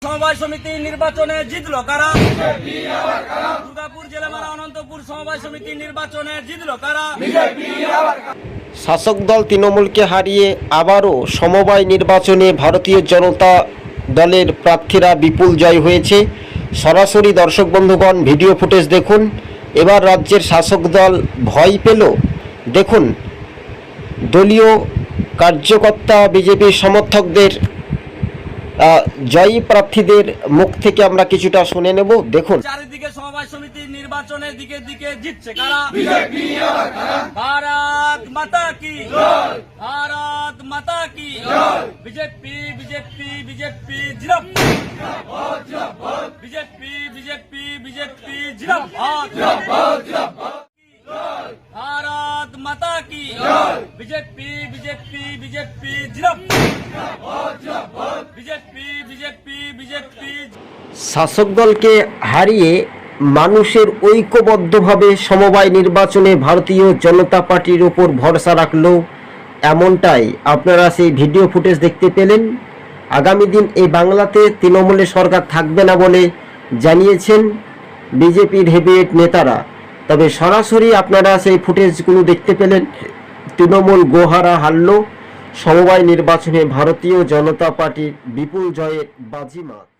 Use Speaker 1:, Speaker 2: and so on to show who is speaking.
Speaker 1: সমবায় সমিতি নির্বাচনে জিতলো কারা? দুর্গাপুর জেলামারা অনন্তপুর সমবায় সমিতি নির্বাচনে জিতলো কারা?
Speaker 2: শাসক দল তৃণমূলকে হারিয়ে আবারও সমবায় নির্বাচনে ভারতীয় জনতা দলের প্রার্থীরা বিপুল জয় হয়েছে। সরাসরি দর্শক বন্ধুগণ ভিডিও ফুটেজ দেখুন। এবার রাজ্যের শাসক দল ভয় পেল। দেখুন দলীয় কার্যকর্তা বিজেপির সমর্থকদের জয়ী প্রার্থীদের মুখ থেকে আমরা কিছুটা শুনে নেব। দেখুন।
Speaker 1: চারিদিকে সমবায় সমিতির নির্বাচনের দিকে দিকে জিতছে কারা? ভারত মাতা কি জয়, ভারত মাতা কি জয়। বিজেপি বিজেপি বিজেপি জিন্দাবাদ, বিজেপি বিজেপি বিজেপি জিন্দাবাদ, ভারত মাতা কি জয়। বিজেপি বিজেপি বিজেপি জিন্দাবাদ, বিজেপি বিজেপি বিজেপি।
Speaker 2: শাসক দলকে হারিয়ে মানুষের ঐক্যবদ্ধভাবে সমবায় নির্বাচনে ভারতীয় জনতা পার্টির ওপর ভরসা রাখলো, এমনটাই আপনারা সেই ভিডিও ফুটেজ দেখতে পেলেন। আগামী দিন এই বাংলাতে তৃণমূলের সরকার থাকবে না বলে জানিয়েছেন বিজেপির হেভিওয়েট নেতারা। তবে সরাসরি আপনারা সেই ফুটেজগুলো দেখতে পেলেন। তৃণমূল গোহারা হারল, সমবায় নির্বাচনে ভারতীয় জনতা পার্টির বিপুল জয়ের বাজিমাত।